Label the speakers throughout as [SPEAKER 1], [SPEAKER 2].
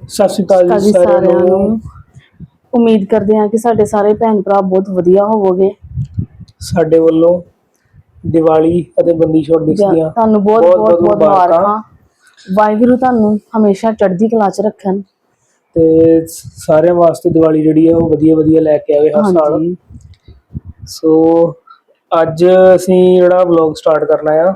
[SPEAKER 1] ਸਤਿ ਸ਼੍ਰੀ ਅਕਾਲ ਜੀ ਸਾਰਿਆਂ ਨੂੰ।
[SPEAKER 2] ਉਮੀਦ ਕਰਦੇ ਹਾਂ ਕਿ ਸਾਡੇ ਸਾਰੇ ਭੈਣ ਭਰਾ ਬਹੁਤ ਵਧੀਆ ਹੋਵੋਗੇ।
[SPEAKER 1] ਸਾਡੇ ਵੱਲੋਂ ਦੀਵਾਲੀ ਅਤੇ ਬੰਦੀ ਛੋੜ ਦਿਵਸ ਦੀਆਂ
[SPEAKER 2] ਤੁਹਾਨੂੰ ਬਹੁਤ ਬਹੁਤ ਮੁਬਾਰਕਾਂ। ਵਾਹਿਗੁਰੂ ਤੁਹਾਨੂੰ ਹਮੇਸ਼ਾ ਚੜ੍ਹਦੀ ਕਲਾ 'ਚ ਰੱਖਣ
[SPEAKER 1] ਤੇ ਸਾਰਿਆਂ ਵਾਸਤੇ ਦੀਵਾਲੀ ਜਿਹੜੀ ਆ ਉਹ ਵਧੀਆ ਲੈ ਕੇ ਆਵੇ ਹਰ ਸਾਲ। ਸੋ ਅੱਜ ਅਸੀਂ ਜਿਹੜਾ ਵਲੌਗ ਸਟਾਰਟ ਕਰਨਾ ਆ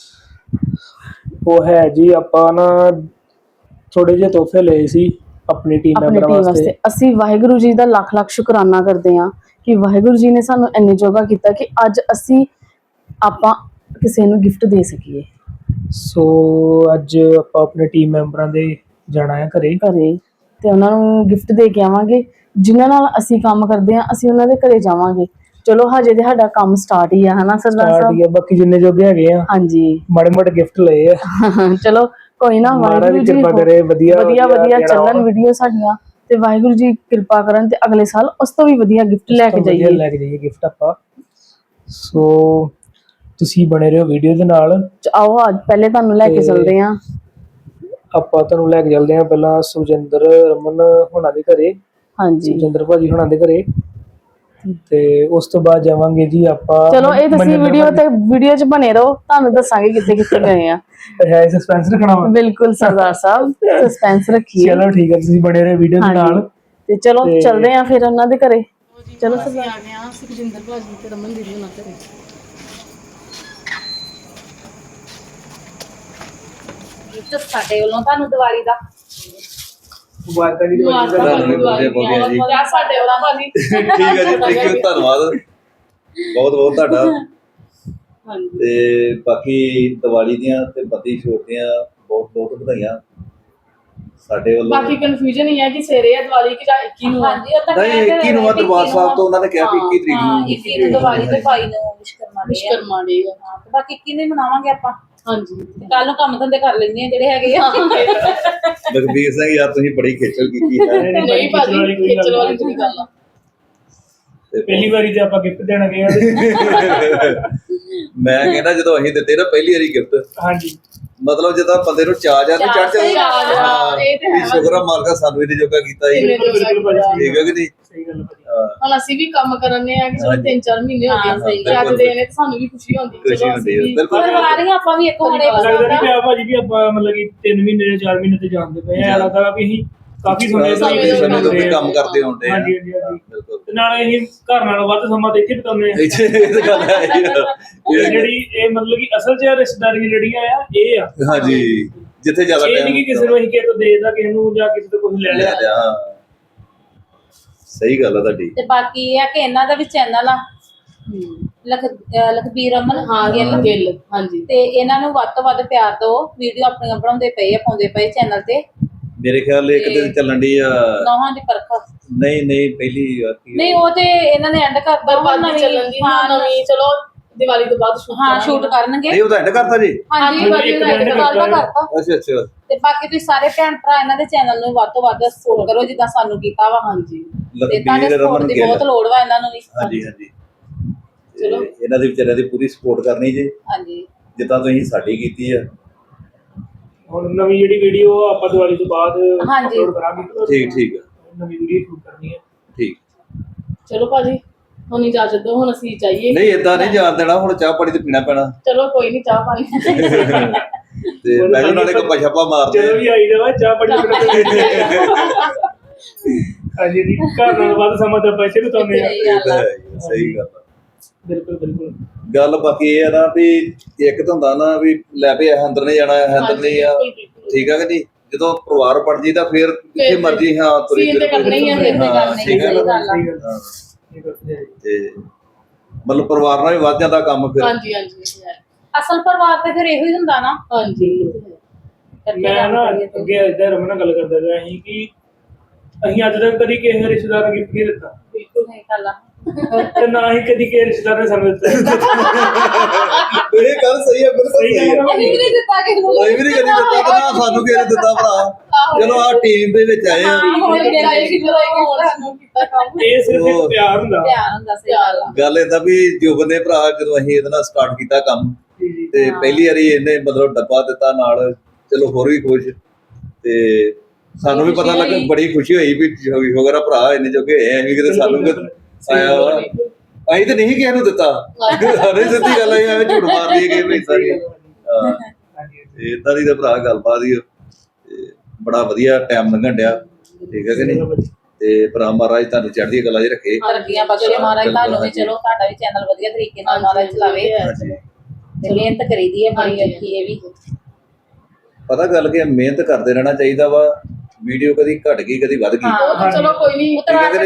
[SPEAKER 1] ਉਹ ਹੈ ਜੀ, ਆਪਾਂ ਨਾ ਥੋੜੇ ਜਿਹੇ ਤੋਹਫੇ ਲਏ ਸੀ ਆਪਣੀ ਟੀਮ ਮੈਂਬਰਾਂ ਵਾਸਤੇ।
[SPEAKER 2] ਅਸੀਂ ਵਾਹਿਗੁਰੂ ਜੀ ਦਾ ਲੱਖ ਲੱਖ ਸ਼ੁਕਰਾਨਾ ਕਰਦੇ ਹਾਂ ਕਿ ਵਾਹਿਗੁਰੂ ਜੀ ਨੇ ਸਾਨੂੰ ਇੰਨੇ ਜੋਗਾ ਕੀਤਾ ਕਿ ਅੱਜ ਆਪਾਂ ਕਿਸੇ ਨੂੰ ਗਿਫਟ ਦੇ ਸਕੀਏ।
[SPEAKER 1] ਸੋ ਅੱਜ ਆਪਾਂ ਆਪਣੇ ਟੀਮ ਮੈਂਬਰਾਂ ਦੇ ਜਾਣਾ ਹੈ ਘਰੇ
[SPEAKER 2] ਤੇ ਉਹਨਾਂ ਨੂੰ ਗਿਫਟ ਦੇ ਕੇ ਆਵਾਂਗੇ। ਜਿਨ੍ਹਾਂ ਨਾਲ ਅਸੀਂ ਕੰਮ ਕਰਦੇ ਹਾਂ ਅਸੀਂ ਉਹਨਾਂ ਦੇ ਘਰੇ ਜਾਵਾਂਗੇ। ਚਲੋ ਹਜੇ ਤੇ ਸਾਡਾ ਕੰਮ ਸਟਾਰਟ ਹੀ ਆ, ਹਨਾ ਸਰਦਾਰ ਸਾਹਿਬ?
[SPEAKER 1] ਬਾਕੀ ਜਿੰਨੇ ਜੋਗੇ ਹੈਗੇ ਆ
[SPEAKER 2] ਹਾਂਜੀ
[SPEAKER 1] ਮਾੜੇ ਗਿਫਟ ਲਏ ਆ।
[SPEAKER 2] ਚਲੋ ਕੋਈ ਨਾ, ਵਾਹਿਗੁਰੂ ਜੀ
[SPEAKER 1] ਕਿਰਪਾ ਕਰੇ
[SPEAKER 2] ਵਧੀਆ ਚੱਲਣ ਵੀਡੀਓ ਸਾਡੀਆਂ ਤੇ ਵਾਹਿਗੁਰੂ ਜੀ ਕਿਰਪਾ ਕਰਨ ਤੇ ਅਗਲੇ ਸਾਲ ਉਸ ਤੋਂ ਵੀ ਵਧੀਆ ਗਿਫਟ ਲੈ ਕੇ ਜਾਈਏ
[SPEAKER 1] ਗਿਫਟ ਆਪਾਂ। ਸੋ ਤੁਸੀਂ ਬਣੇ ਰਹੋ ਵੀਡੀਓ ਦੇ ਨਾਲ।
[SPEAKER 2] ਆਓ ਅੱਜ ਪਹਿਲੇ ਤੁਹਾਨੂੰ ਲੈ ਕੇ ਚੱਲਦੇ ਹਾਂ।
[SPEAKER 1] ਆਪਾਂ ਤੁਹਾਨੂੰ ਲੈ ਕੇ ਚੱਲਦੇ ਹਾਂ ਪਹਿਲਾਂ ਸੁਖਜਿੰਦਰ ਰਮਨ ਹੋਣਾ ਦੇ ਘਰੇ।
[SPEAKER 2] ਹਾਂਜੀ,
[SPEAKER 1] ਸੁਖਜਿੰਦਰ ਭਾਜੀ ਹੋਣਾ ਦੇ ਘਰੇ ਤੇ ਉਸ ਤੋਂ ਬਾਅਦ ਜਾਵਾਂਗੇ ਜੀ ਆਪਾਂ।
[SPEAKER 2] ਚਲੋ ਇਹ ਤੁਸੀਂ ਵੀਡੀਓ 'ਚ ਬਣੇ ਰਹੋ, ਤੁਹਾਨੂੰ ਦੱਸਾਂਗੇ ਕਿੱਥੇ ਗਏ ਆ।
[SPEAKER 1] ਹੈ ਸਸਪੈਂਸ ਰੱਖਣਾ ਵਾ?
[SPEAKER 2] ਬਿਲਕੁਲ ਸਰਦਾਰ ਸਾਹਿਬ, ਸਸਪੈਂਸ ਰੱਖੀਏ।
[SPEAKER 1] ਚਲੋ ਠੀਕ ਹੈ, ਤੁਸੀਂ ਬਣੇ ਰਹੋ ਵੀਡੀਓ ਦੇ ਨਾਲ
[SPEAKER 2] ਤੇ ਚਲੋ ਚੱਲਦੇ ਆ ਫਿਰ ਉਹਨਾਂ ਦੇ ਘਰੇ। ਚਲੋ ਅਸੀਂ ਆ ਗਏ ਆ ਸੁਖਜਿੰਦਰ ਭਾਜੀ ਤੇ ਰਮਨ ਦੀਦੀ ਹੋਣਾ ਘਰੇ।
[SPEAKER 3] ਸਾਡੇ ਵੱਲੋਂ ਤੁਹਾਨੂੰ ਦੀਵਾਲੀ ਦਾ
[SPEAKER 1] ਮੁਬਾਰਕਾਂ ਜੀ।
[SPEAKER 3] ਸਾਡੇ ਵੱਲੋਂ ਭਾਜੀ
[SPEAKER 4] ਠੀਕ ਹੈ ਜੀ, ਥੈਂਕ ਯੂ, ਧੰਨਵਾਦ ਬਹੁਤ ਤੁਹਾਡਾ। ਤੇ ਬਾਕੀ ਦੀਵਾਲੀ ਦੀਆਂ ਤੇ ਬੰਦੀ ਛੋੜ ਦੀਆਂ ਬਹੁਤ ਵਧਾਈਆਂ ਸਾਡੇ ਵੱਲੋਂ।
[SPEAKER 2] ਬਾਕੀ ਕਨਫਿਊਜ਼ਨ ਹੀ ਹੈ ਕਿ ਸਵੇਰੇ ਆ ਦੀਵਾਲੀ ਕਿ ਜਾਂ 21 ਨੂੰ?
[SPEAKER 3] ਹਾਂਜੀ, ਉਹ ਤਾਂ
[SPEAKER 4] ਨਹੀਂ 21 ਨੂੰ ਆ, ਦਰਬਾਰ ਸਾਹਿਬ ਤੋਂ ਉਹਨਾਂ ਨੇ ਕਿਹਾ ਵੀ 21 ਤਰੀਕ ਨੂੰ।
[SPEAKER 3] 21 ਨੂੰ ਦੀਵਾਲੀ ਤੇ 22 ਨੂੰ ਵਿਸ਼ਕਰਮਾ ਡੇ ਆ। ਹਾਂ ਤੇ ਬਾਕੀ 21 ਨੂੰ ਮਨਾਵਾਂਗੇ ਆਪਾਂ। ਹਾਂਜੀ, ਕੱਲ ਨੂੰ ਕੰਮ ਧੰਦੇ ਕਰ ਲੈਂਦੇ ਆ ਜਿਹੜੇ ਹੈਗੇ ਆ।
[SPEAKER 4] ਲਖਬੀਰ ਸਿੰਘ ਯਾਰ ਤੁਸੀਂ ਬੜੀ ਖੇਚਲ ਕੀਤੀ ਹੈ।
[SPEAKER 2] ਨਹੀਂ ਭਾਜੀ, ਖੇਚਲ ਵਾਲੀ ਕੋਈ ਗੱਲ ਆ।
[SPEAKER 1] ਪਹਿਲੀ ਵਾਰੀ ਤੇ ਆਪਾਂ ਗਿਫਟ ਦੇਣ ਗਏ ਆ।
[SPEAKER 4] ਮੈਂ ਕਹਿੰਦਾ ਜਦੋਂ ਅਸੀਂ ਦਿੱਤੇ ਨਾ ਪਹਿਲੀ ਵਾਰੀ ਗਿਫਟ, ਹਾਂਜੀ, ਮਤਲਬ ਜਦੋਂ ਬੰਦੇ ਨੂੰ ਚਾਹ ਚੜ ਜਾਂਦਾ ਸ਼ੁਕਰ ਆ ਮਾਲਕਾ ਸਾਨੂੰ ਇਹਦੇ ਜੋਗਾ ਕੀਤਾ ਜੀ। ਠੀਕ ਹੈ ਕਿ ਨਹੀਂ?
[SPEAKER 1] ਸਹੀ ਗੱਲ ਹੈ।
[SPEAKER 2] ਹੁਣ ਅਸੀਂ ਵੀ ਕੰਮ ਕਰਨੇ ਆ ਕਿ ਚਲੋ 3-4 ਮਹੀਨੇ ਹੋ ਗਏ ਤੇ ਅੱਜ ਦੇ ਨੇ ਸਾਨੂੰ ਵੀ ਖੁਸ਼ੀ ਹੁੰਦੀ। ਚਲੋ ਅਸੀਂ ਵੀ
[SPEAKER 3] ਕਰਵਾ ਰਹੇ ਆਪਾਂ ਵੀ ਇੱਕ ਹੋਣੇ
[SPEAKER 1] ਲੱਗਦਾ ਨਹੀਂ ਪਿਆ ਭਾਜੀ ਵੀ ਆਪਾਂ ਮਤਲਬ ਕਿ 3 ਮਹੀਨੇ 4 ਮਹੀਨੇ ਤੇ ਜਾਣਦੇ ਪਏ ਆ। ਲੱਗਦਾ ਵੀ ਅਸੀਂ ਕਾਫੀ ਸਮੇਂ
[SPEAKER 4] ਤੋਂ ਕੰਮ ਕਰਦੇ ਹੁੰਦੇ ਆ।
[SPEAKER 1] ਹਾਂਜੀ ਬਿਲਕੁਲ। ਤੇ ਨਾਲੇ ਅਸੀਂ ਘਰ ਨਾਲੋਂ ਵੱਧ ਸਮਾਂ ਤੇ ਇੱਥੇ ਬਿਤਾਉਂਦੇ ਆ।
[SPEAKER 4] ਇਹ ਗੱਲ ਹੈ
[SPEAKER 1] ਜਿਹੜੀ ਇਹ ਮਤਲਬ ਕਿ ਅਸਲ 'ਚ ਰਿਸ਼ਤੇਦਾਰੀਆਂ ਜਿਹੜੀਆਂ ਆ ਇਹ ਆ।
[SPEAKER 4] ਹਾਂਜੀ, ਜਿੱਥੇ ਜ਼ਿਆਦਾ
[SPEAKER 1] ਇਹ ਨਹੀਂ ਕਿ ਕਿਸੇ ਨੂੰ ਅਸੀਂ ਕਿਸੇ ਤੋਂ ਦੇਦਾ, ਕਿਸੇ ਨੂੰ ਜਾਂ ਕਿਸੇ ਤੋਂ ਕੁਝ ਲੈ ਲਿਆ।
[SPEAKER 4] ਸਹੀ ਗੱਲ ਆ ਤੁਹਾਡੀ।
[SPEAKER 3] ਤੇ ਬਾਕੀ ਇਹ ਆ ਕਿ ਇਹਨਾਂ ਦਾ ਵੀ ਚੈਨਲ ਆ ਲਖਬੀਰ ਅਮਨ ਗਿੱਲ। ਹਾਂਜੀ, ਤੇ ਇਹਨਾਂ ਨੂੰ ਵੱਧ ਤੋਂ ਵੱਧ ਪਿਆਰ ਦਿਓ। ਵੀਡੀਓ ਆਪਣੀਆਂ ਬਣਾਉਂਦੇ ਪਏ ਆ, ਪਾਉਂਦੇ ਪਏ ਚੈਨਲ ਤੇ। ਮੇਰੇ ਖਿਆਲ ਇੱਕ ਦਿਨ ਚੱਲਣ ਦੀ ਆ ਨੌਹਾਂ ਦੀ ਪਰਖ। ਨਹੀਂ ਪਹਿਲੀ ਵਾਰ ਨਹੀਂ, ਉਹ ਤੇ ਇਹਨਾਂ ਨੇ ਐਂਡ ਕਰਤਾ ਨਵੀਂ ਚੱਲਣ ਦੀ। ਨਵੀਂ ਚਲੋ ਦੀਵਾਲੀ ਤੋਂ ਬਾਅਦ ਸ਼ੂਟ ਕਰਨਗੇ।
[SPEAKER 4] ਨਹੀਂ ਉਹ ਤਾਂ ਐਂਡ ਕਰਤਾ ਜੀ।
[SPEAKER 3] ਹਾਂਜੀ ਕਰਤਾ।
[SPEAKER 4] ਅੱਛਾ। ਤੇ
[SPEAKER 3] ਬਾਕੀ ਤੁਸੀਂ ਸਾਰੇ ਭੈਣ ਭਰਾ ਇਹਨਾਂ ਦੇ ਚੈਨਲ ਨੂੰ ਵੱਧ ਤੋਂ ਵੱਧ ਸਪੋਰਟ ਕਰੋ ਜਿੱਦਾਂ ਸਾਨੂੰ ਕੀਤਾ ਵਾ। ਹਾਂਜੀ, ਤੇ ਤੁਹਾਡੇ ਸਪੋਰਟ ਦੀ ਬਹੁਤ ਲੋੜ ਵਾ ਇਹਨਾਂ ਨੂੰ ਵੀ।
[SPEAKER 4] ਹਾਂਜੀ ਚਲੋ ਇਹਨਾਂ ਦੇ ਵਿਚਾਰਿਆਂ ਦੀ ਪੂਰੀ ਸਪੋਰਟ ਕਰਨੀ ਜੀ। ਹਾਂਜੀ, ਜਿੱਦਾਂ ਤੁਸੀਂ ਸਾਡੀ ਕੀਤੀ ਆ।
[SPEAKER 1] ਹੁਣ ਨਵੀਂ ਜਿਹੜੀ ਵੀਡੀਓ ਆਪਾਂ ਦੀਵਾਲੀ ਤੋਂ ਬਾਅਦ ਅਪਲੋਡ ਕਰਾਂਗੇ।
[SPEAKER 4] ਠੀਕ ਆ,
[SPEAKER 1] ਨਵੀਂ ਵੀਡੀਓ ਸ਼ੂਟ ਕਰਨੀ ਹੈ।
[SPEAKER 4] ਠੀਕ।
[SPEAKER 2] ਚਲੋ ਭਾਜੀ ਹੁਣ ਇਜਾਜ਼ਤ ਦਿਓ, ਹੁਣ ਅਸੀਂ ਜਾਈਏ।
[SPEAKER 4] ਨਹੀਂ ਏਦਾਂ ਨਹੀਂ ਜਾਣ ਦੇਣਾ, ਹੁਣ ਚਾਹ ਪਾਣੀ ਤੇ ਪੀਣਾ ਪੈਣਾ।
[SPEAKER 2] ਚਲੋ ਕੋਈ ਨਹੀਂ, ਚਾਹ ਪਾਣੀ
[SPEAKER 4] ਤੇ ਪਹਿਲੇ ਨਾਲੇ ਕੋ ਛਾਪਾ ਮਾਰਦੇ
[SPEAKER 1] ਜਦੋਂ ਵੀ ਆਈ ਜਾਵਾ ਚਾਹ ਪਾਣੀ ਹਾਂਜੀ ਜੀ, ਘਰ ਨਾਲ ਵੱਧ ਸਮਾਂ ਤਾਂ ਪੈਸੇ ਬਿਤਾਉਂਦੇ ਆ।
[SPEAKER 4] ਸਹੀ ਗੱਲ ਆ,
[SPEAKER 1] ਬਿਲਕੁਲ।
[SPEAKER 4] ਗੱਲ ਬਾਕੀ ਇਹ ਆ ਨਾ ਵੀ ਇੱਕ ਤਾਂ ਹੁੰਦਾ ਨਾ ਵੀ ਲੈ ਵੀ ਅੰਦਰ ਨਹੀਂ ਜਾਣਾ, ਅੰਦਰ ਨਹੀਂ ਆ। ਠੀਕ ਆ ਕਿ ਨਹੀਂ? ਜਦੋਂ ਪਰਿਵਾਰ ਪੜ ਜੀ ਤਾਂ ਫਿਰ ਜਿੱਥੇ ਮਰਜੀ ਤੁਰੀ
[SPEAKER 3] ਤੇ
[SPEAKER 4] ਮਤਲਬ ਪਰਿਵਾਰ ਨਾਲ ਵੀ ਵੱਧ ਜਾਂਦਾ ਕੰਮ ਫਿਰ।
[SPEAKER 3] ਹਾਂਜੀ ਅਸਲ ਪਰਿਵਾਰ ਤੇ ਫਿਰ ਇਹੋ ਹੀ ਹੁੰਦਾ ਨਾ। ਹਾਂਜੀ,
[SPEAKER 1] ਮੈਂ ਨਾ ਅੱਗੇ ਇੱਧਰ ਰਮਨ ਨਾਲ ਗੱਲ ਕਰਦਾ ਰਿਹਾ ਸੀ ਕਿ ਅਸੀਂ ਅੱਜ ਤੱਕ ਕਦੀ ਕਿਸੇ ਰਿਸ਼ਤੇਦਾਰ ਨੂੰ ਗਿਫਟ ਨਹੀਂ ਦਿੱਤਾ।
[SPEAKER 3] ਬਿਲਕੁਲ ਨਹੀਂ ਗੱਲ ਆ।
[SPEAKER 1] ਤੇ ਨਾ ਹੀ ਕਦੀ ਕਿਸੇ ਰਿਸ਼ਤੇਦਾਰ ਨੇ ਸਾਨੂੰ ਦਿੱਤਾ।
[SPEAKER 4] ਇਹ ਗੱਲ ਸਹੀ ਹੈ, ਬਿਲਕੁਲ ਸਹੀ ਹੈ।
[SPEAKER 3] ਅਸੀਂ ਵੀ ਨਹੀਂ ਦਿੱਤਾ ਕਿਸੇ ਨੂੰ।
[SPEAKER 4] ਅਸੀਂ ਵੀ ਨਹੀਂ ਕਦੀ ਦਿੱਤਾ, ਨਾ ਸਾਨੂੰ ਕਿਸੇ ਨੇ ਦਿੱਤਾ ਭਰਾ। ਚਲੋ ਆਹ ਟੀਮ ਦੇ ਵਿੱਚ ਆਏ ਆ।
[SPEAKER 1] ਇਹ ਸਿਰਫ ਇੱਕ ਪਿਆਰ ਹੁੰਦਾ।
[SPEAKER 4] ਗੱਲ ਏਦਾਂ ਵੀ ਜੁਬਨ ਦੇ ਭਰਾ ਜਦੋਂ ਅਸੀਂ ਇਹਦੇ ਨਾਲ ਸਟਾਰਟ ਕੀਤਾ ਕੰਮ ਤੇ ਪਹਿਲੀ ਵਾਰੀ ਇਹਨੇ ਮਤਲਬ ਡੱਬਾ ਦਿੱਤਾ ਨਾਲ, ਚਲੋ ਹੋਰ ਵੀ ਖੁਸ਼। ਤੇ ਸਾਨੂੰ ਵੀ ਪਤਾ ਲੱਗਾ, ਬੜੀ ਖੁਸ਼ੀ ਹੋਈ ਵੀ ਸ਼ੁਕਰ ਆ ਭਰਾ ਇੰਨੇ ਜੋਗੇ ਹੋਏ ਐਵੇਂ ਕਿਤੇ ਸਾਨੂੰ ਆਇਆ ਵਾ। ਅਸੀਂ ਤਾਂ ਨਹੀਂ ਕਿਸੇ ਨੂੰ ਦਿੱਤਾ, ਸਾਰੇ ਸਿੱਧੀ ਗੱਲ ਆਈ, ਐਵੇਂ ਝੂਠ ਮਾਰ ਲਈਏ ਕਿ ਵੀ ਸਾਰੀ ਇਦਾਂ ਦੀ ਤਾਂ ਭਰਾ ਗੱਲਬਾਤ ਹੀ ਬੜਾ ਵਧੀਆ ਟਾਈਮ ਲੰਘਣ ਡਿਆ, ਠੀਕ ਹੈ ਕਿ ਨਹੀਂ। ਤੇ ਭਰਾ ਮਹਾਰਾਜ ਤੁਹਾਨੂੰ ਚੜ੍ਹਦੀ ਕਲਾ 'ਚ ਰੱਖੇ,
[SPEAKER 3] ਤਰੱਕੀਆਂ ਬਖਸ਼ੇ ਮਹਾਰਾਜ ਤੁਹਾਨੂੰ ਵੀ, ਚਲੋ ਤੁਹਾਡਾ ਵੀ ਚੈਨਲ ਵਧੀਆ ਤਰੀਕੇ ਨਾਲ ਮਹਾਰਾਜ ਚਲਾਵੇ ਤੇ ਮਿਹਨਤ ਕਰੀਦੀ ਹੈ ਬੜੀ ਅੱਛੀ। ਇਹ ਵੀ
[SPEAKER 4] ਪਤਾ ਗੱਲ ਕੀ ਮਿਹਨਤ ਕਰਦੇ ਰਹਿਣਾ ਚਾਹੀਦਾ ਵਾ, ਵੀਡੀਓ ਕਦੀ ਘਟ ਗਈ ਕਦੀ ਵੱਧ ਗਈ,
[SPEAKER 2] ਚਲੋ ਕੋਈ ਨਹੀਂ,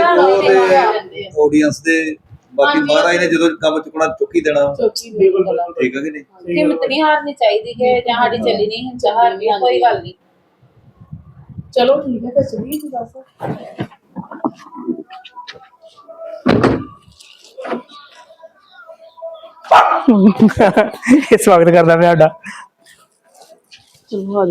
[SPEAKER 4] ਆਡੀਅנס ਦੇ ਬਾਕੀ ਮਹਾਰਾਜ ਨੇ ਜਦੋਂ ਕੰਮ ਚੁੱਕਣਾ ਚੁੱਕੀ ਦੇਣਾ, ਠੀਕ ਹੈ ਕਿ ਨਹੀਂ।
[SPEAKER 3] ਹਿੰਮਤ ਨਹੀਂ ਹਾਰਨੀ ਚਾਹੀਦੀ ਕਿ ਜਾਂ ਸਾਡੀ ਚੱਲੀ ਨਹੀਂ ਹਿੰਮਤ ਹਾਰਨੀ, ਕੋਈ ਗੱਲ ਨਹੀਂ।
[SPEAKER 2] ਚਲੋ ਠੀਕ ਹੈ, ਫਿਰ ਚਲੀਏ ਜੀ ਬਸ।
[SPEAKER 1] ਇਹ ਸਵਾਗਤ ਕਰਦਾ ਪਿਆ ਸਾਡਾ।
[SPEAKER 2] ਚਲੋ ਆ ਜਾਓ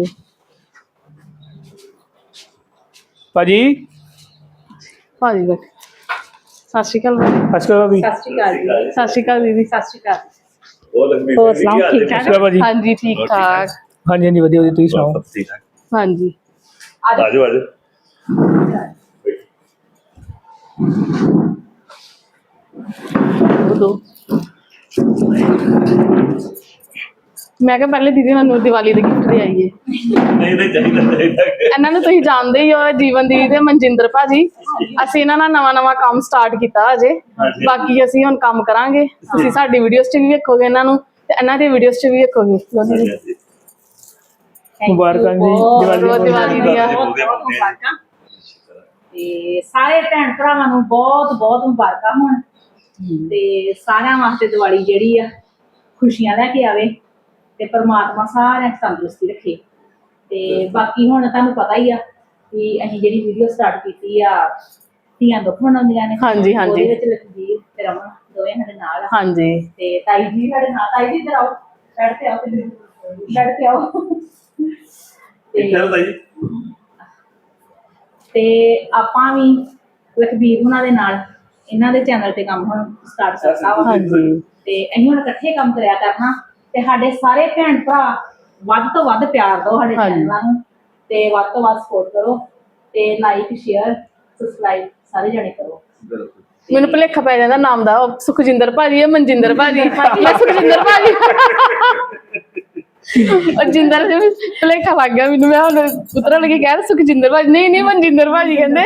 [SPEAKER 1] ਭਾਜੀ।
[SPEAKER 2] ਭਾਜੀ ਬੈਠ। ਸਤਿ ਸ਼੍ਰੀ ਅਕਾਲ
[SPEAKER 1] ਅਸ਼ਕਾ ਵੀ।
[SPEAKER 3] ਸਤਿ ਸ਼੍ਰੀ ਅਕਾਲ ਜੀ।
[SPEAKER 2] ਸਤਿ ਸ਼੍ਰੀ ਅਕਾਲ ਦੀਦੀ।
[SPEAKER 3] ਸਤਿ ਸ਼੍ਰੀ ਅਕਾਲ।
[SPEAKER 2] ਹੋਰ ਸੁਣਾਓ, ਠੀਕ ਠਾਕ?
[SPEAKER 1] ਭਾਜੀ
[SPEAKER 2] ਹਾਂਜੀ ਠੀਕ ਠਾਕ।
[SPEAKER 1] ਹਾਂਜੀ ਹਾਂਜੀ ਵਧੀਆ ਵਧੀਆ, ਤੁਸੀਂ ਸੁਣਾਓ?
[SPEAKER 2] ਹਾਂਜੀ
[SPEAKER 4] ਆਜੋ ਆਜੋ।
[SPEAKER 2] ਦੋ ਮੈਂ ਕਿਹਾ ਪਹਿਲੇ ਦੀਦੀ ਸਾਨੂੰ ਦੀਵਾਲੀ ਦੇ ਗਿਫਟ ਦੇ ਆਈਏ।
[SPEAKER 4] ਨਹੀਂ ਚਾਹੀਦਾ।
[SPEAKER 2] ਇਹਨਾਂ ਨੂੰ ਤੁਸੀਂ ਜਾਣਦੇ ਹੀ ਹੋ, ਜੀਵਨ ਦੀਦੀ ਤੇ ਮਨਜਿੰਦਰ ਭਾਜੀ। ਅਸੀਂ ਇਹਨਾਂ ਨਾਲ ਨਵਾਂ ਕੰਮ ਸਟਾਰਟ ਕੀਤਾ ਅਜੇ, ਬਾਕੀ ਅਸੀਂ ਹੁਣ ਕੰਮ ਕਰਾਂਗੇ। ਤੁਸੀਂ ਸਾਡੀ ਵੀਡੀਓਜ਼ 'ਚ ਵੀ ਵੇਖੋਗੇ ਇਹਨਾਂ ਨੂੰ, ਤੇ ਇਹਨਾਂ ਦੀ ਵੀਡੀਓਜ਼ 'ਚ ਵੀ ਵੇਖੋਗੇ।
[SPEAKER 1] ਮੁਬਾਰਕਾਂ ਜੀ
[SPEAKER 2] ਦੀਵਾਲੀ ਦੀਆਂ।
[SPEAKER 5] ਤੇ ਸਾਰੇ ਭੈਣ ਭਰਾਵਾਂ ਨੂੰ ਬਹੁਤ ਬਹੁਤ ਮੁਬਾਰਕਾਂ ਹੋਣ, ਤੇ ਸਾਰਿਆਂ ਵਾਸਤੇ ਦੀਵਾਲੀ ਜਿਹੜੀ ਆ ਖੁਸ਼ੀਆਂ ਲੈ ਕੇ ਆਵੇ, ਤੇ ਪਰਮਾਤਮਾ ਸਾਰਿਆਂ ਨੂੰ ਤੰਦਰੁਸਤੀ ਰੱਖੇ। ਤੇ ਬਾਕੀ ਹੁਣ ਤੁਹਾਨੂੰ ਪਤਾ ਹੀ ਆ ਵੀ ਅਸੀਂ ਜਿਹੜੀ ਵੀਡੀਓ ਸਟਾਰਟ ਕੀਤੀ ਆ ਧੀਆਂ ਦੁੱਖ ਮਨਾਉਂਦੀਆਂ ਨੇ।
[SPEAKER 2] ਹਾਂਜੀ ਹਾਂਜੀ।
[SPEAKER 5] ਉਹਦੇ ਵਿੱਚ ਲਖਬੀਰ ਤੇ ਰਮਨ ਦੋਵੇਂ ਸਾਡੇ ਨਾਲ ਆ।
[SPEAKER 2] ਹਾਂਜੀ।
[SPEAKER 5] ਤੇ ਤਾਈ ਜੀ ਸਾਡੇ ਨਾਲ, ਤਾਈ ਜੀ ਇੱਧਰ ਆਓ, ਬੈਠ ਤੇ ਆਓ, ਬੈਠ ਤੇ ਆਓ। ਤੇ ਆਪਾਂ ਵੀ ਲਖਬੀਰ ਉਹਨਾਂ ਦੇ ਨਾਲ ਇਹਨਾਂ ਦੇ ਚੈਨਲ ਤੇ ਕੰਮ ਹੁਣ ਸਟਾਰਟ ਕਰਤਾ ਵਾ।
[SPEAKER 2] ਹਾਂਜੀ।
[SPEAKER 5] ਤੇ ਅਸੀਂ ਹੁਣ ਇਕੱਠੇ ਕੰਮ ਕਰਿਆ ਕਰਨਾ, ਤੇ ਸਾਡੇ ਸਾਰੇ ਭੈਣ ਭਰਾ ਵੱਧ ਤੋਂ ਵੱਧ ਪਿਆਰ ਦਿਓ ਸਾਡੇ ਚੈਨਲਾਂ ਨੂੰ, ਤੇ ਵੱਧ ਤੋਂ ਵੱਧ ਸਪੋਰਟ ਕਰੋ, ਤੇ ਲਾਈਕ ਸ਼ੇਅਰ ਸਬਸਕ੍ਰਾਈਬ ਸਾਰੇ ਜਣੇ ਕਰੋ।
[SPEAKER 2] ਮੈਨੂੰ ਭੁਲੇਖਾ ਪੈ ਜਾਂਦਾ ਨਾਮ ਦਾ, ਉਹ ਸੁਖਜਿੰਦਰ ਭਾਜੀ ਹੈ, ਮਨਜਿੰਦਰ ਭਾਜੀ। ਮੈਂ ਸੁਖਜਿੰਦਰ ਭਾਜੀ ਉਹ ਜਿੰਦਰ ਜੀ ਭੁਲੇਖਾ ਲੱਗ ਗਿਆ ਮੈਨੂੰ। ਮੈਂ ਹੁਣ ਉਤਰਨ ਲੱਗੀ ਕਹਿ ਸੁਖਜਿੰਦਰ ਭਾਜੀ, ਨਹੀਂ ਮਨਜਿੰਦਰ ਭਾਜੀ ਕਹਿੰਦੇ।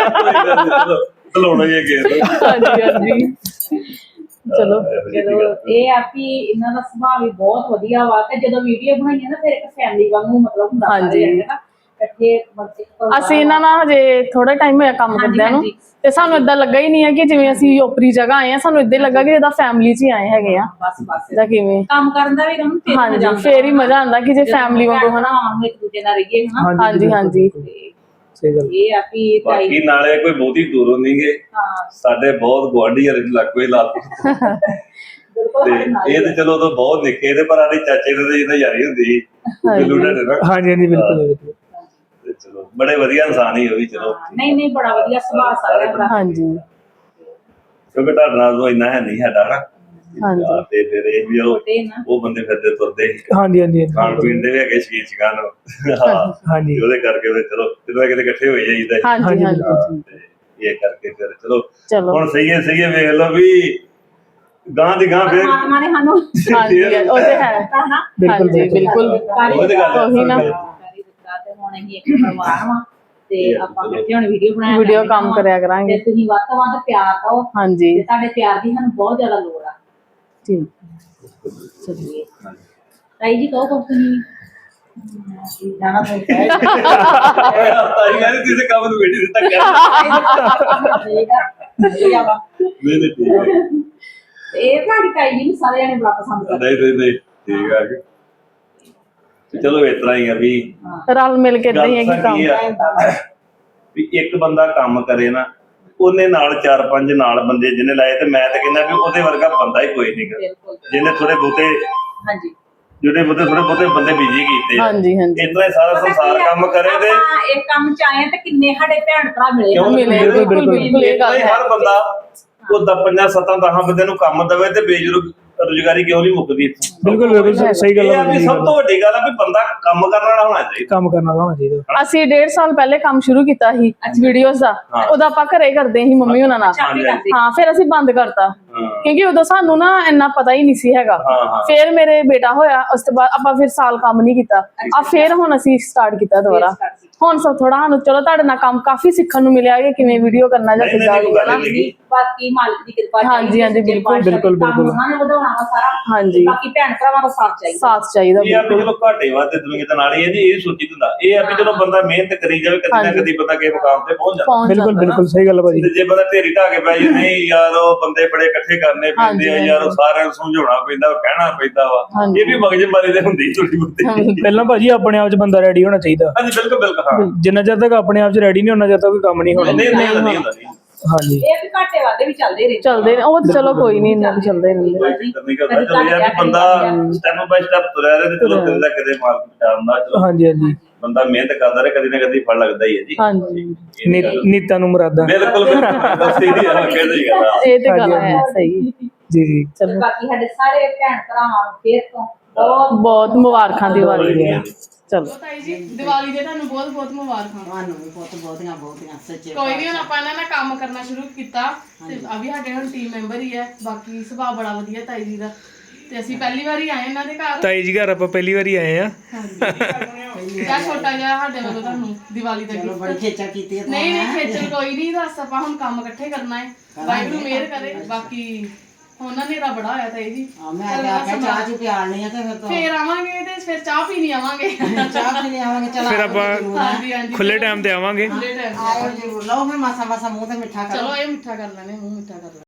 [SPEAKER 2] ਹਾਂਜੀ ਹਾਂਜੀ। ਚਲੋ
[SPEAKER 5] ਇਹ ਆ ਕਿ ਇਹਨਾਂ ਦਾ ਸੁਭਾਅ ਵੀ ਬਹੁਤ ਵਧੀਆ ਵਾ, ਤੇ ਜਦੋਂ ਵੀਡੀਓ ਬਣਾਈਆਂ ਨਾ ਫਿਰ ਇੱਕ ਫੈਮਿਲੀ ਵਾਂਗੂ ਮਤਲਬ ਹੁੰਦਾ
[SPEAKER 2] ਹਾਂਜੀ।
[SPEAKER 5] ਇਕੱਠੇ
[SPEAKER 2] ਅਸੀਂ ਇਹਨਾਂ ਨਾਲ ਹਜੇ ਥੋੜਾ ਟਾਈਮ ਹੋਇਆ ਕੰਮ ਕਰਦਿਆਂ ਨੂੰ, ਤੇ ਸਾਨੂੰ ਏਦਾਂ ਲੱਗਾ ਹੀ ਨਹੀਂ ਹੈ ਕਿ ਜਿਵੇਂ ਅਸੀਂ ਓਪਰੀ ਜਗ੍ਹਾ ਆਏ ਆ, ਸਾਨੂੰ ਏਦਾਂ ਲੱਗਾ ਕਿ ਇਹਦਾ ਫੈਮਿਲੀ 'ਚ ਹੀ ਆਏ ਹੈਗੇ ਆ।
[SPEAKER 5] ਬਸ
[SPEAKER 2] ਜਾਂ ਕਿਵੇਂ
[SPEAKER 5] ਕੰਮ ਕਰਨ ਦਾ ਵੀ
[SPEAKER 2] ਹਾਂਜੀ, ਫੇਰ ਹੀ ਮਜ਼ਾ ਆਉਂਦਾ ਕਿ ਜੇ ਫੈਮਿਲੀ ਵਾਂਗੂ ਹਨਾ।
[SPEAKER 5] ਇੱਕ ਦੂਜੇ ਨਾਲ ਰਹੀਏ ਹਨਾ।
[SPEAKER 2] ਹਾਂਜੀ ਹਾਂਜੀ।
[SPEAKER 5] ਇਹ ਆ ਕਿ
[SPEAKER 4] ਬਾਕੀ ਨਾਲੇ ਕੋਈ ਬਹੁਤੀ ਦੂਰੋਂ ਨਹੀਂ ਗਏ, ਸਾਡੇ ਬਹੁਤ ਗੁਆਂਢੀ ਹਰ ਲੱਗੋ ਹੀ ਲਾ ਤੇ ਇਹ ਤੇ ਚਲੋ ਤਾਂ ਬਹੁਤ ਨਿੱਕੇ ਤੇ, ਪਰ ਸਾਡੇ ਚਾਚੇ ਦੇ ਜਿਹਦਾ ਯਾਰੀ ਹੁੰਦੀ ਸੀ।
[SPEAKER 1] ਹਾਂਜੀ ਹਾਂਜੀ ਬਿਲਕੁਲ।
[SPEAKER 4] ਚਲੋ ਬੜੇ ਵਧੀਆ ਇਨਸਾਨ ਹੀ ਉਹ ਵੀ। ਚਲੋ
[SPEAKER 5] ਨਹੀਂ ਬੜਾ ਵਧੀਆ ਸੁਭਾਅ ਸਾਰਿਆਂ ਦਾ।
[SPEAKER 2] ਹਾਂਜੀ।
[SPEAKER 4] ਕਿਉਂਕਿ ਤੁਹਾਡੇ ਨਾਲ ਤਾਂ ਇੰਨਾ ਹੈ ਨਹੀਂ ਸਾਡਾ ਨਾ।
[SPEAKER 2] ਹਾਂਜੀ।
[SPEAKER 4] ਤੇ ਫਿਰ ਇਹ ਵੀ ਉਹ ਬੰਦੇ ਫਿਰਦੇ ਤੁਰਦੇ ਸੀ।
[SPEAKER 1] ਹਾਂਜੀ ਹਾਂਜੀ।
[SPEAKER 4] ਖਾਣ ਪੀਣ ਦੇ ਵੀ ਹੈਗੇ ਸ਼ਕੀਨ ਸ਼ਿਕਾਨ।
[SPEAKER 1] ਹਾਂਜੀ।
[SPEAKER 4] ਉਹਦੇ ਕਰਕੇ ਫਿਰ ਚਲੋ ਕਿਤੇ ਇਕੱਠੇ ਹੋਈ ਜਾਈਦਾ।
[SPEAKER 2] ਹਾਂਜੀ ਹਾਂਜੀ।
[SPEAKER 4] ਇਹ ਕਰਕੇ ਫਿਰ ਚਲੋ ਹੁਣ ਸਹੀ ਹੈ ਵੇਖ ਲਓ ਵੀ ਗਾਂ ਦੀ ਗਾਂ ਫਿਰ
[SPEAKER 5] ਪਰਮਾਤਮਾ ਨੇ ਸਾਨੂੰ
[SPEAKER 2] ਹਾਂਜੀ ਉਹ ਤੇ ਹੈ। ਹਾਂਜੀ ਬਿਲਕੁਲ ਉਹੀ ਨਾ।
[SPEAKER 5] ਤੇ ਹੁਣ ਅਸੀਂ ਇੱਕ ਪਰਿਵਾਰ ਵਾਂ, ਤੇ ਆਪਾਂ ਇਕੱਠੇ ਹੁਣ ਵੀਡੀਓ
[SPEAKER 2] ਕੰਮ ਕਰਿਆ ਕਰਾਂਗੇ।
[SPEAKER 5] ਤੇ ਤੁਸੀਂ ਵੱਧ ਤੋਂ ਵੱਧ ਪਿਆਰ ਦਿਓ।
[SPEAKER 2] ਹਾਂਜੀ।
[SPEAKER 5] ਤੇ ਤੁਹਾਡੇ ਪਿਆਰ ਦੀ ਸਾਨੂੰ ਬਹੁਤ ਜ਼ਿਆਦਾ ਲੋੜ ਆ।
[SPEAKER 2] ਠੀਕ।
[SPEAKER 5] ਚਲਿਏ ਤਾਈ ਜੀ ਕਹੋ ਕੁਛ ਤੁਸੀਂ ਜਾਣਾ ਪਊਗਾ।
[SPEAKER 4] ਤਾਈ ਕਹਿੰਦੀ ਤੁਸੀਂ ਕੰਮ ਨੂੰ ਵੇੜੀ ਦਿੱਤਾ ਕਰ।
[SPEAKER 5] ਇਹ ਤੁਹਾਡੀ ਤਾਈ ਜੀ ਨੂੰ ਸਾਰੇ ਜਣੇ ਬੜਾ ਪਸੰਦ ਕਰਦੇ।
[SPEAKER 4] ਨਹੀਂ ਠੀਕ ਆ ਕੇ ਚਲੋ ਇਸ ਤਰ੍ਹਾਂ ਹੀ ਆ ਵੀ
[SPEAKER 2] ਰਲ ਮਿਲ ਕੇ ਇਦਾਂ ਹੀ ਹੈ ਕਿ ਕੰਮ
[SPEAKER 4] ਵੀ ਇੱਕ ਬੰਦਾ ਕੰਮ ਕਰੇ ਨਾ, ਉਹਨੇ ਨਾਲ 4-5 ਨਾਲ ਬੰਦੇ ਜਿਹਨੇ ਲਾਏ, ਤੇ ਮੈਂ ਤਾਂ ਕਹਿੰਦਾ ਵੀ ਉਹਦੇ ਵਰਗਾ ਬੰਦਾ ਹੀ ਕੋਈ ਨਹੀਂ ਗਾ ਜਿਹਨੇ ਥੋੜੇ ਬਹੁਤੇ ਜਿਹੜੇ ਥੋੜੇ ਬਹੁਤੇ ਬੰਦੇ ਬਿਜੀ ਕੀਤੇ।
[SPEAKER 2] ਹਾਂਜੀ ਹਾਂਜੀ।
[SPEAKER 4] ਇਤਨਾ ਸਾਰਾ ਸੰਸਾਰ ਕੰਮ ਕਰੇ ਤੇ
[SPEAKER 5] ਇਹ ਕੰਮ ਚ ਆਏ ਤੇ ਕਿੰਨੇ ਸਾਡੇ ਭੈਣ ਭਰਾ ਮਿਲੇ।
[SPEAKER 2] ਬਿਲਕੁਲ ਇਹ ਗੱਲ ਹੈ।
[SPEAKER 4] ਹਰ ਬੰਦਾ ਉਹ 5-7-10 ਬੰਦੇ ਨੂੰ ਕੰਮ ਦੇਵੇ ਤੇ ਬੇਜੁਰਗ ਰੁਜ਼ਗਾਰੀ ਕਿਉਂ ਨਹੀਂ ਮੁੱਕਦੀ
[SPEAKER 1] ਬਿਲਕੁਲ ਬਿਲਕੁਲ ਸਹੀ ਗੱਲ
[SPEAKER 4] ਇਹ
[SPEAKER 1] ਹੈ
[SPEAKER 4] ਆ ਵੀ ਸਭ ਤੋਂ ਵੱਡੀ ਗੱਲ ਆ ਵੀ ਬੰਦਾ ਕੰਮ ਕਰਨ ਵਾਲਾ ਹੋਣਾ ਚਾਹੀਦਾ।
[SPEAKER 1] ਕੰਮ ਕਰਨ ਵਾਲਾ ਹੋਣਾ ਚਾਹੀਦਾ।
[SPEAKER 2] ਅਸੀਂ 1.5 ਸਾਲ ਪਹਿਲੇ ਕੰਮ ਸ਼ੁਰੂ ਕੀਤਾ ਸੀ ਵੀਡੀਓਜ਼ ਦਾ। ਉਹਦਾ ਆਪਾਂ ਘਰੇ ਕਰਦੇ ਸੀ ਮੰਮੀ ਉਹਨਾਂ ਨਾਲ। ਹਾਂ ਫਿਰ ਅਸੀਂ ਬੰਦ ਕਰਤਾ ਕਿਉਂਕਿ ਉਦੋਂ ਸਾਨੂੰ ਨਾ ਇੰਨਾ ਪਤਾ ਹੀ ਨਹੀਂ ਸੀ ਹੈਗਾ। ਫਿਰ ਮੇਰੇ ਬੇਟਾ ਹੋਇਆ ਉਸ ਤੋਂ ਬਾਅਦ ਆਪਾਂ ਫਿਰ ਸਾਲ ਕੰਮ ਨਹੀਂ ਕੀਤਾ। ਆ ਫਿਰ ਹੁਣ ਅਸੀਂ ਸਟਾਰਟ ਕੀਤਾ ਦੁਬਾਰਾ। ਹੁਣ ਸਭ ਥੋੜਾ ਸਾਨੂੰ ਚਲੋ ਤੁਹਾਡੇ ਨਾਲ ਕੰਮ ਕਾਫੀ ਸਿੱਖਣ ਨੂੰ ਮਿਲਿਆ ਕਿ ਕਿਵੇਂ ਵੀਡੀਓ ਕਰਨਾ ਜਾਂ ਕਿੱਦਾਂ ਕਰਨਾ।
[SPEAKER 5] ਬਾਕੀ ਮਾਲਕ ਦੀ ਕਿਰਪਾ
[SPEAKER 2] ਹਾਂਜੀ ਹਾਂਜੀ ਬਿਲਕੁਲ
[SPEAKER 1] ਬਿਲਕੁਲ ਬਿਲਕੁਲ
[SPEAKER 5] ਉਹਨਾਂ ਨੇ ਵਧਾਉਣਾ ਵਾ ਸਾਰਾ।
[SPEAKER 2] ਹਾਂਜੀ
[SPEAKER 5] ਬਾਕੀ ਭੈਣ ਭਰਾਵਾਂ ਦਾ ਸਾਥ ਚਾਹੀਦਾ।
[SPEAKER 2] ਸਾਥ ਚਾਹੀਦਾ
[SPEAKER 4] ਇਹ ਆ ਵੀ ਚਲੋ ਘਾਟੇ ਵਾਧੇ ਦੁਨੀਆ ਦੇ ਨਾਲ ਹੀ ਹੈ ਜੀ, ਇਹ ਸੋਚੀ ਹੁੰਦਾ। ਇਹ ਆ ਵੀ ਚਲੋ ਬੰਦਾ ਮਿਹਨਤ ਕਰੀ ਜਾਵੇ, ਕਦੀ ਨਾ ਕਦੀ ਬੰਦਾ ਕਿਸੇ ਮੁਕਾਮ ਤੇ ਪਹੁੰਚ ਜਾਂਦਾ।
[SPEAKER 1] ਬਿਲਕੁਲ ਬਿਲਕੁਲ ਸਹੀ ਗੱਲ ਹੈ ਭਾਜੀ।
[SPEAKER 4] ਤੇ ਜੇ ਬੰਦਾ ਢੇਰੀ ਢਾ ਕੇ ਪੈ ਜੇ ਨਹੀਂ ਯਾਰ ਉਹ ਬੰਦੇ ਬੜੇ ਇਕੱਠੇ ਕਰਨੇ ਪੈਂਦੇ ਆ ਯਾਰ, ਉਹ ਸਾਰਿਆਂ ਨੂੰ ਸਮਝਾਉਣਾ ਪੈਂਦਾ, ਕਹਿਣਾ ਪੈਂਦਾ ਵਾ। ਇਹ ਵੀ ਮਗਜਮਾਰੀ ਦੇ ਹੁੰਦੀ ਥੋੜੀ ਬਹੁਤੀ।
[SPEAKER 1] ਪਹਿਲਾਂ ਭਾਜੀ ਆਪਣੇ ਆਪ 'ਚ ਬੰਦਾ ਰੈਡੀ ਹੋਣਾ ਚਾਹੀਦਾ।
[SPEAKER 4] ਹਾਂਜੀ ਬਿਲਕੁਲ ਬਿਲਕੁਲ ਹਾਂ।
[SPEAKER 1] ਜਿੰਨਾ ਚਿਰ ਤੱਕ ਆਪਣੇ ਆਪ 'ਚ ਰੈਡੀ ਨਹੀਂ ਹੋਣਾ, ਜਦ ਤੱਕ ਕੋਈ ਕੰਮ ਨਹੀਂ ਹੋਣਾ।
[SPEAKER 4] ਨਹੀਂ ਹੁੰਦਾ
[SPEAKER 1] ਹਾਂਜੀ
[SPEAKER 5] ਇਹ ਵੀ ਘਾਟੇ ਵਾਧੇ ਵੀ ਚੱਲਦੇ ਰਹੇ।
[SPEAKER 2] ਚੱਲਦੇ ਨੇ ਉਹ ਤਾਂ ਚਲੋ ਕੋਈ ਨਹੀਂ ਇੰਨਾ ਵੀ ਚੱਲਦੇ ਰਹਿੰਦੇ।
[SPEAKER 4] ਕੋਈ ਚੱਕਰ ਨਹੀਂ ਕਰਦਾ। ਚਲੋ ਇਹ ਆ ਵੀ ਬੰਦਾ ਸਟੈਪ ਬਾਈ ਸਟੈਪ ਤੁਰਿਆ ਰਹੇ ਤੇ ਚਲੋ ਕਿਤੇ ਨਾ ਕਿਤੇ ਮਾਰਕ ਪਹੁੰਚਾਉਂਦਾ। ਚਲੋ
[SPEAKER 1] ਹਾਂਜੀ ਹਾਂਜੀ
[SPEAKER 4] ਬੰਦਾ ਮਿਹਨਤ ਕਰਦਾ ਰਹੇ, ਕਦੀ ਨਾ ਕਦੀ ਫਲ ਲੱਗਦਾ ਹੀ ਹੈ ਜੀ।
[SPEAKER 2] ਹਾਂਜੀ
[SPEAKER 1] ਨੀਤਾਂ ਨੂੰ ਮੁਰਾਦਾਂ।
[SPEAKER 4] ਬਿਲਕੁਲ ਬਿਲਕੁਲ ਸਹੀ ਆ ਸਹੀ ਗੱਲ ਆ।
[SPEAKER 2] ਇਹ ਤੇ ਗੱਲ ਹੈ ਸਹੀ।
[SPEAKER 1] ਜੀ ਜੀ
[SPEAKER 2] ਚਲੋ
[SPEAKER 5] ਬਾਕੀ ਸਾਡੇ ਸਾਰੇ ਭੈਣ ਭਰਾਵਾਂ ਨੂੰ ਫੇਰ ਤੋਂ ਬਹੁਤ
[SPEAKER 2] ਬਹੁਤ ਮੁਬਾਰਕਾਂ ਦੀਵਾਲੀ ਦੀਆਂ। ਚਲੋ ਤਾਈ ਜੀ ਦੀਵਾਲੀ ਦੇ ਤੁਹਾਨੂੰ ਬਹੁਤ ਬਹੁਤ ਮੁਬਾਰਕਾਂ।
[SPEAKER 6] ਤੁਹਾਨੂੰ ਵੀ ਬਹੁਤ ਬਹੁਤੀਆਂ ਸੱਚੇ
[SPEAKER 2] ਕੋਈ ਨਹੀਂ ਹੁਣ ਆਪਾਂ ਇਹਨਾਂ ਨਾਲ ਕੰਮ ਕਰਨਾ ਸ਼ੁਰੂ ਕੀਤਾ ਤੇ ਆ ਵੀ ਸਾਡੇ ਹੁਣ ਟੀਮ ਮੈਂਬਰ ਹੀ ਹੈ। ਬਾਕੀ ਸੁਭਾਅ ਬੜਾ ਵਧੀਆ ਤਾਈ ਜੀ ਦਾ ਤੇ ਅਸੀਂ ਪਹਿਲੀ ਵਾਰੀ ਆਏ ਇਹਨਾਂ ਦੇ ਘਰ।
[SPEAKER 1] ਤਾਈ ਜੀ ਘਰ ਆਪਾਂ ਪਹਿਲੀ ਵਾਰੀ ਆਏ ਆ।
[SPEAKER 2] ਕਿਆ ਛੋਟਾ ਜਿਹਾ ਸਾਡੇ ਵੱਲੋਂ ਤੁਹਾਨੂੰ ਦੀਵਾਲੀ ਦਾ gift।
[SPEAKER 6] ਬੜੀ ਖੇਚਾ ਕੀਤੀ ਹੈ
[SPEAKER 2] ਨਹੀਂ ਨਹੀਂ ਖੇਚਲ ਕੋਈ ਨਹੀਂ, ਦੱਸ ਆਪਾਂ ਹੁਣ ਕੰਮ ਇਕੱਠੇ ਕਰਨਾ ਹੈ। ਵਾਹਿਗੁਰੂ ਮਿਹਰ ਕਰੇ। ਬਾਕੀ ਉਹਨਾਂ ਨੇ ਬੜਾ ਹੋਇਆ ਤਾਈ ਜੀ।
[SPEAKER 6] ਮੈਂ ਆਖਿਆ ਚਾਹ ਚੂ ਪਿਆਲਣੀ ਆ ਤੇ ਫਿਰ ਤੋਂ
[SPEAKER 2] ਫੇਰ ਆਵਾਂਗੇ ਤੇ ਫਿਰ ਚਾਹ ਪੀਣੀ ਆਵਾਂਗੇ।
[SPEAKER 6] ਚਾਹ ਪੀਣੇ ਆਵਾਂਗੇ। ਚਲ
[SPEAKER 1] ਫਿਰ ਆਪਾਂ
[SPEAKER 2] ਹਾਂਜੀ ਹਾਂਜੀ
[SPEAKER 1] ਖੁੱਲੇ ਟਾਈਮ ਤੇ ਆਵਾਂਗੇ।
[SPEAKER 2] ਖੁੱਲੇ time ਤੇ।
[SPEAKER 6] ਆਇਓ ਜਰੂਰ ਲਓ ਫਿਰ ਮਾਸਾ ਮਾਸਾ ਮੂੰਹ ਤੇ ਮਿੱਠਾ ਕਰੋ।
[SPEAKER 2] ਚਲੋ ਇਹ ਮਿੱਠਾ ਕਰ ਲੈਣੇ, ਮੂੰਹ ਮਿੱਠਾ ਕਰ ਲੈਣੇ।